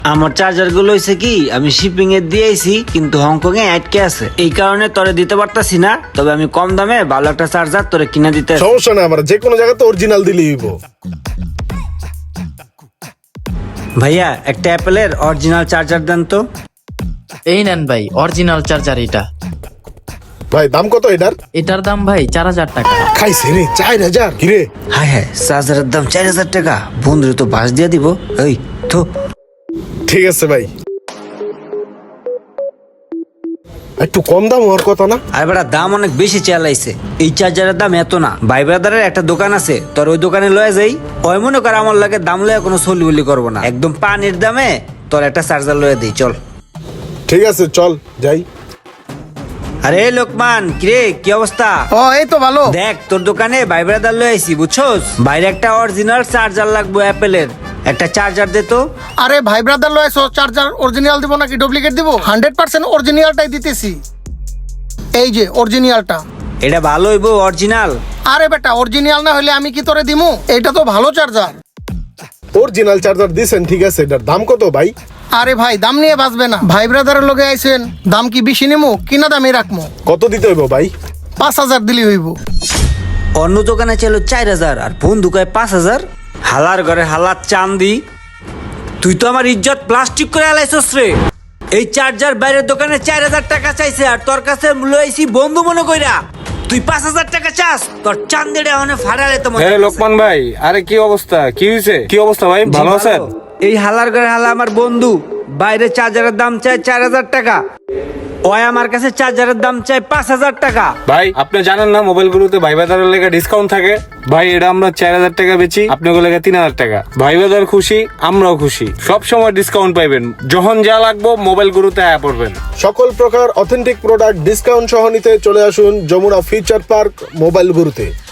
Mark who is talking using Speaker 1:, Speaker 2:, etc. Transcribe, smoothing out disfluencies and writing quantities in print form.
Speaker 1: আমার চার্জার গুলো হয়েছে কি আমি শিপিং এ দিয়েছি কিন্তু হংকং এ আটকে আছে, এই কারণে তোরে দিতে পারতাছি না। তবে আমি কম দামে ভালো একটা চার্জার তোরে কিনে দিতে।
Speaker 2: সমস্যা না, আমরা যে কোনো জায়গাতে অরিজিনাল দিলেই হইব।
Speaker 1: ভাইয়া একটা অ্যাপেলের অরিজিনাল চার্জার দেন তো।
Speaker 3: এই নেন ভাই অরিজিনাল চার্জার এটা।
Speaker 2: ভাই দাম কত এটার?
Speaker 3: এটার দাম ভাই 4000 টাকা।
Speaker 2: খাইছে রে 4000? কিরে
Speaker 1: হ্যাঁ হ্যাঁ, চার্জারের দাম 4000 টাকা। বন্ধুরে তো বাস দিয়ে দিব। এই তো
Speaker 2: ঠিক আছে ভাই, একটু কম দাম হওয়ার কথা না?
Speaker 1: আর বেটা দাম অনেক বেশি চালাইছে। এই চার্জারের দাম এত না। ভাই ব্রাদারের একটা দোকান আছে, তোর ওই দোকানে লয়ে যাই। ওই মনে কর আমার লাগে দাম লয়ে কোনো সলিবলি করবো না, একদম পানির দামে তোর একটা চার্জার লয়ে দিই। চল।
Speaker 2: ঠিক আছে চল যাই।
Speaker 1: আরে লোকমান, কিরে কি অবস্থা?
Speaker 4: ও এই তো ভালো।
Speaker 1: দেখ তোর দোকানে ভাই ব্রাদার লয়ে আইছি, বুঝছস? বাইরে একটা অরিজিনাল চার্জার লাগবে অ্যাপেলের, একটা চার্জার দে তো।
Speaker 4: আরে ভাই ব্রাদার লয়েছো, চার্জার অরিজিনাল দিব নাকি ডুপ্লিকেট দিব? 100% অরিজিনালটাই দিতেছি। এই যে অরিজিনালটা।
Speaker 1: এটা ভালো হইব অরিজিনাল?
Speaker 4: আরে বেটা অরিজিনাল না হলে আমি কি তোরে দিমু? এটা তো ভালো চার্জার।
Speaker 2: অরিজিনাল চার্জার দিছেন, ঠিক আছে। এটার দাম কত ভাই?
Speaker 4: আরে ভাই দাম নিয়ে বাঁচবে না। ভাই ব্রাদারের লগে আইছেন, দাম কি বেশি নিমু কিনা দামে রাখমু?
Speaker 2: কত দিতে হইব ভাই?
Speaker 4: 5000 দিলি হইব।
Speaker 1: অন্য দোকানে ছিল 4000 আর বন্ধু কয় 5000। হালার ঘরে হালার চান্দি, তুই তো আমার ইজ্জত প্লাস্টিক করে আলাইছস রে। এই চার্জার বাইরের দোকানে 4000 টাকা চাইছে আর তোর কাছে লইছি বন্ধু মনে কইরা তুই 5000 টাকা চাস। তোর চান্দিটা অনেক ফাড়ালে তো মনে
Speaker 5: হ্যাঁ
Speaker 1: হচ্ছে।
Speaker 5: লোকমান ভাই, আরে কি অবস্থা, কি হয়েছে? কি অবস্থা ভাই,
Speaker 1: জি,
Speaker 5: ভালো আছেন?
Speaker 1: এই হালার ঘরে হালা আমার বন্ধু, বাইরে চার্জারের দাম চায় 4000 টাকা, ওই আমার কাছে চার্জারের দাম চায় 5000 টাকা।
Speaker 5: ভাই আপনি জানেন না মোবাইলগুলোতে ভাই বাজারের লেগে ডিসকাউন্ট থাকে। ভাই এটা আমরা 4000 টাকা বেচি, আপনার লেগে 3000 টাকা। ভাই বাজার খুশি, আমরাও খুশি। সব সময় ডিসকাউন্ট পাইবেন, যখন যা লাগবো মোবাইলগুলোতে আয়া পড়বেন।
Speaker 2: সকল প্রকার অথেন্টিক প্রোডাক্ট ডিসকাউন্ট সহ নিতে চলে আসুন যমুনা ফিউচার পার্ক মোবাইল গুরুতে।